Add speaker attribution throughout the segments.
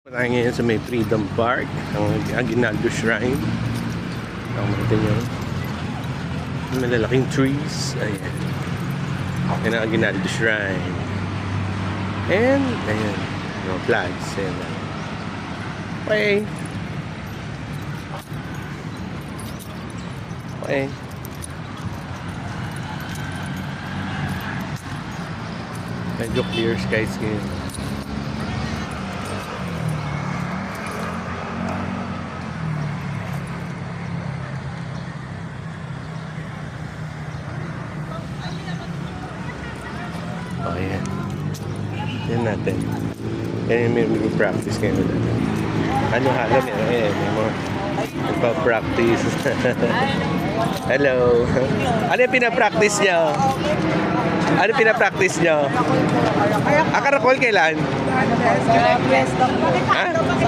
Speaker 1: Tayo ngayon sa may Freedom Park, ang Aguinaldo Shrine. Nakamatin nyo. Malalaking trees. Ayan. Ayan ang Aguinaldo Shrine. And, ayan. Yung flags. Ayan. Okay. Okay. Medyo clear skies ngayon. Oh, yan. Yan natin. Yan yung may practice kayo na. Ano halam yan? Ayan, may mga nagpa-practice. Hello. Ano yung pinapractice nyo? Ano pinapractice nyo? Karakol kailan? Ha?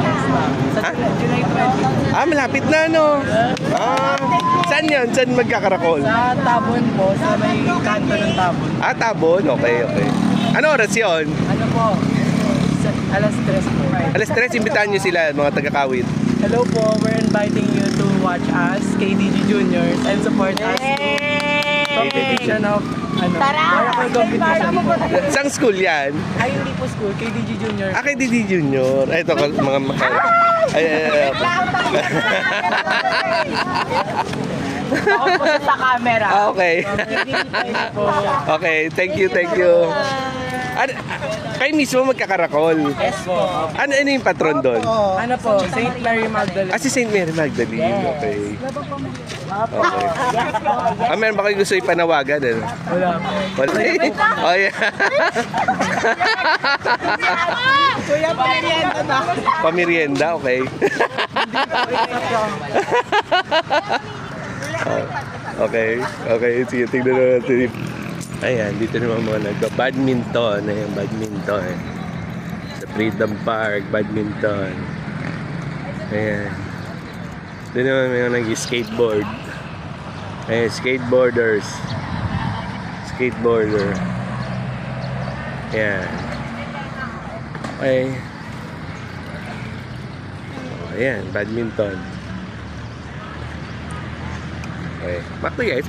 Speaker 1: Ha? Malapit na, no? Saan yun? Saan magkakarakol?
Speaker 2: Sa Tabon po, sa may kanto ng Tabon.
Speaker 1: Tabon? Okay, okay. Ano oras yun?
Speaker 2: Ano po? Alas 3 po.
Speaker 1: Alas 3, imbitahan nyo sila, mga taga-Kawit.
Speaker 2: Hello po, we're inviting you to watch us, KDG Juniors, and support us to competition of Maracle competition po.
Speaker 1: Saan school yan?
Speaker 2: Ay, hindi po school, KDG Juniors.
Speaker 1: Kay Didi Junior. Ay, ito, mga ay.
Speaker 2: Ako po sa camera.
Speaker 1: Okay. Okay, thank you, thank you. Kayo mismo magkakarakol.
Speaker 2: Yes po.
Speaker 1: Ano yung patron doon?
Speaker 2: Ano po, St. Mary Magdalene.
Speaker 1: Si St. Mary Magdalene. Okay. Okay. Meron ba kayo gusto ipanawagan?
Speaker 2: Wala.
Speaker 1: Wala. Oh, yeah.
Speaker 2: Kuya, pamerienda na.
Speaker 1: Pamerienda, okay. Okay, okay. Sige, tignan na natin. Ayan, dito naman mga nagka-badminton. Ayan, badminton. Sa Freedom Park, badminton. Ayan. Doon naman may nag-skateboard. Ayan, skateboarders. Skateboarder. Ayan. Okay. Ayan, badminton. Okay. Back to you guys.